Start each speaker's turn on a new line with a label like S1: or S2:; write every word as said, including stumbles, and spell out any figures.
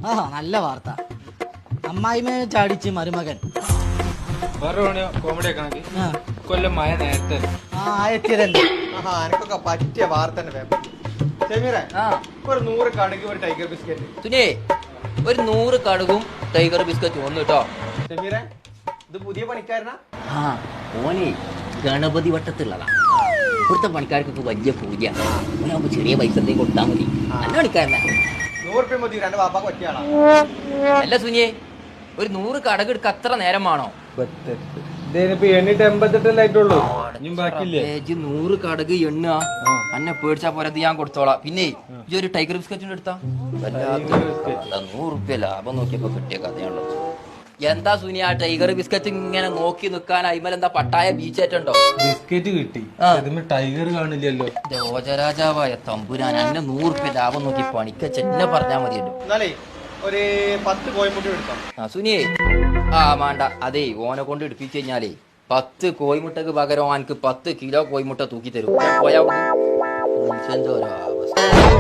S1: ആ നല്ല വാർത്ത. അമ്മായിമേ ചാടിച്ച് മരുമകൻ.
S2: കോമഡി ഒക്കെ കൊല്ലം മഴ നേരത്തെ
S1: ആ എത്തിയതല്ലേ.
S3: എനിക്കൊക്കെ പറ്റിയ വാർത്ത ഒരു നൂറ് കടുക് ഒരു ടൈഗർ ബിസ്ക്കറ്റ്.
S4: സുനേ ഒരു നൂറ് കടുകും ടൈഗർ ബിസ്ക്കറ്റ് ഒന്ന് കേട്ടോ.
S3: ഷമീറെ ഇത് പുതിയ പണിക്കാരനാ?
S4: ആ ഓനെ ഗണപതി വട്ടത്തുള്ളതാ. ഇവിടുത്തെ പണിക്കാർക്കൊക്കെ വലിയ പൂജ. ഓനാകുമ്പോ ചെറിയ പൈസ എന്തെങ്കിലും കൊടുത്താൽ മതി. നല്ല പണിക്കാരനാ.
S3: നൂറ് രൂപ മതി. രണ്ട് വാപ്പാക്ക് പറ്റിയാളാ.
S4: അല്ല സുനിയെ ഒരു നൂറ് കടക് എടുക്ക അത്ര നേരം വേണോ?
S2: എണ്ണിട്ട് എൺപത്തെട്ടല്ലായിട്ടുള്ളൂ.
S4: നൂറ് കടക് എണ്ണ അന്നെ പേടിച്ചാ പോരത് ഞാൻ കൊടുത്തോളാം. പിന്നെ ഈ ഒരു ടൈഗർ ബിസ്ക്കറ്റിന്റെ എടുത്താ നൂറ് റുപ്യ ലാഭം നോക്കിയപ്പോ കിട്ടിയ കഥയാണല്ലോ. എന്താ സുനി ആ ടൈഗർ ബിസ്ക്കറ്റ് ഇങ്ങനെ നോക്കി നിക്കാൻ അയിമൽ എന്താ പട്ടായ ബീച്ചേറ്റുണ്ടോ?
S2: ബിസ്ക്കറ്റ് കിട്ടി, ടൈഗർ കാണില്ലല്ലോ.
S4: രാജാവായ തമ്പുരാൻ അന്നെ നൂറ് റുപ്യ ലാഭം നോക്കി പണിക്ക ചെന്നെ പറഞ്ഞാ മതിയല്ലോ.
S3: എന്നാലേ ഒരു പത്ത് കോഴിമുട്ട എടുക്കാം.
S4: ആ സുനിയെ ആ വേണ്ട. അതേ ഓനെ കൊണ്ട് എടുപ്പിച്ചു കഴിഞ്ഞാലേ പത്ത് കോഴിമുട്ടക്ക് പകരം എനിക്ക് പത്ത് കിലോ കോഴിമുട്ട തൂക്കി തരും. പോയാ എന്തോ അവസ്ഥ.